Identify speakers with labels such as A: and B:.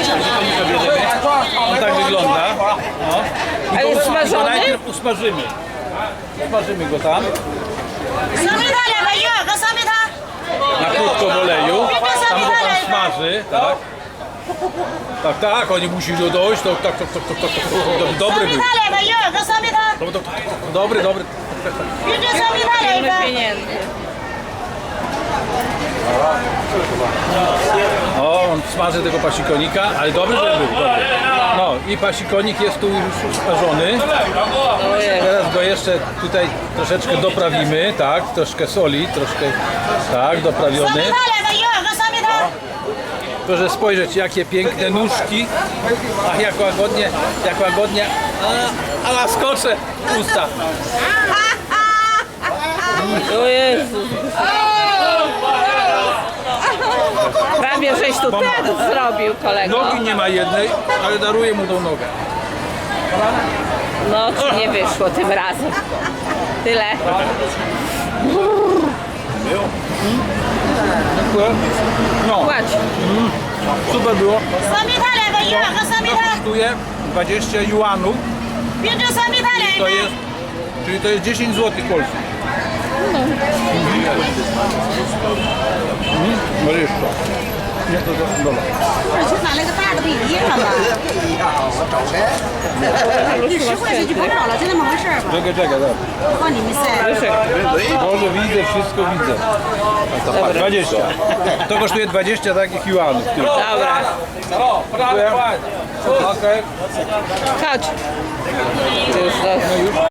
A: pasikonika bierzemy. On tak wygląda. No.
B: A jest
A: Go
B: smażony?
A: najpierw usmażymy. Usmażymy go tam. Na krótko w oleju. Tam go pan smaży, tak? Tak, oni musi dojść, to tak, dobry był. Dobry.
B: Ile pieniędzy.
A: O, on smaży tego pasikonika, ale dobry, że był. Dobry. No i pasikonik jest tu już usmażony. Teraz go jeszcze tutaj troszeczkę doprawimy, tak? Troszkę soli, troszkę, tak, doprawiony. Proszę spojrzeć, jakie piękne nóżki. Ach, jak łagodnie. A laskocze usta.
B: O Jezu. Prawie żeś tu ten zrobił, kolego.
A: Nogi nie ma jednej, ale daruję mu tą nogę.
B: No, ci nie wyszło tym razem. Tyle.
A: No,
B: Płać.
A: super było. Kosztuje 20 juanów, czyli to jest 10 zł polskich. Może jeszcze. Nie, to dobra.
C: 去拿那个大的不一样了吧？这10块钱就不少了，就那么回事儿吧。
A: Czekaj, tak.
C: 往里面塞。
A: Może widzę, wszystko widzę. A to patrz, 20. To kosztuje 20 takich juanów. Tylko.
B: Dobra.
A: Dziękuję. Okej.
B: Chodź. Już